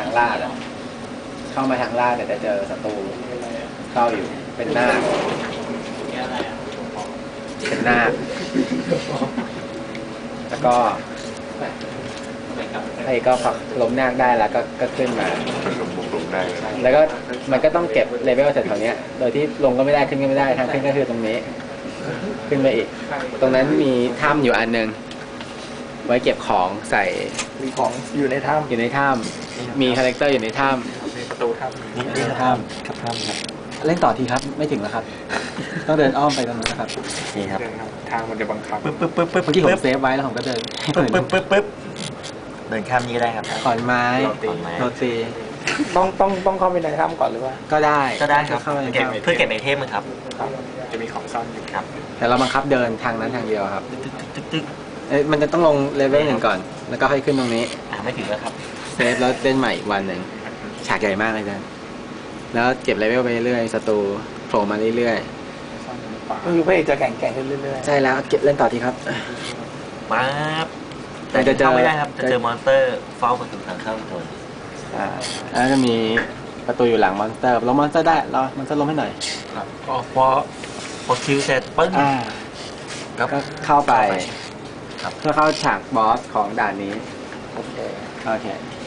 างลาดเข้ามาทางลาดแต่จะเจอศัตรูเข้าอยู่เป็นหน้าเป็นหน้าแล้วก็ไอ้ก็ฝักล้มนาคได้แล้วก็ขึ้นมาลงได้แล้วก็มันก็ต้องเก็บเลเวลเสร็จแถวนี้โดยที่ลงก็ไม่ได้ขึ้นก็ไม่ได้ทางขึ้นก็คือตรงนี้ขึ้นไปอีกตรงนั้นมีถ้ำอยู่อันนึงไว้เก็บของใส่มีของอยู่ในถ้ำอยู่ในถ้ำมีคาแรคเตอร์อยู่ในถ้ำประตูถ้ำนี่ถ้ำครับถ้ำครับเล่นต่อทีครับไม่ถึงแล้วครับต้องเดินอ้อมไปตรงนั้นนะครับนี่ครับทางมันจะบังคับปึ๊บเมื่อกี้ผมเซฟไว้แล้วผมก็เดินปึ๊บเดินข้ามนี้ก็ได้ครับขอนไม้โรตีต้องเข้าไปในถ้ำก่อนหรือว่าก็ได้ครับเพื่อเก็บไอเทมครับจะมีของซ่อนอยู่ครับแต่เราบังคับเดินทางนั้นทางเดียวครับมันจะต้องลงเลเวลหนึ่งก่อนแล้วก็ค่อยขึ้นตรงนี้ไม่ถึงแล้วครับเซฟแล้วเล่นใหม่อีกวันหนึ่งฉากใหญ่มากเลยนะแล้วเก็บเลเวลไปเรื่อยศัตรูโผล่มาเรื่อยๆก็คือพระเอกจะแข่งขึ้นเรื่อยๆใช่แล้วเก็บเล่นต่อทีครับมาแต่จะเข้าไม่ได้ครับจะเจอมอนสเตอร์เฝ้าประตูทางเข้าโดนแล้วจะมีประตูอยู่หลังมอนสเตอร์ล้มมอนสเตอร์ได้รอมอนสเตอร์ล้มให้หน่อยครับพอคิวเสร็จปึ้งก็เข้าไปเพื่อเข้าฉากบอสของด่านนี้โอเค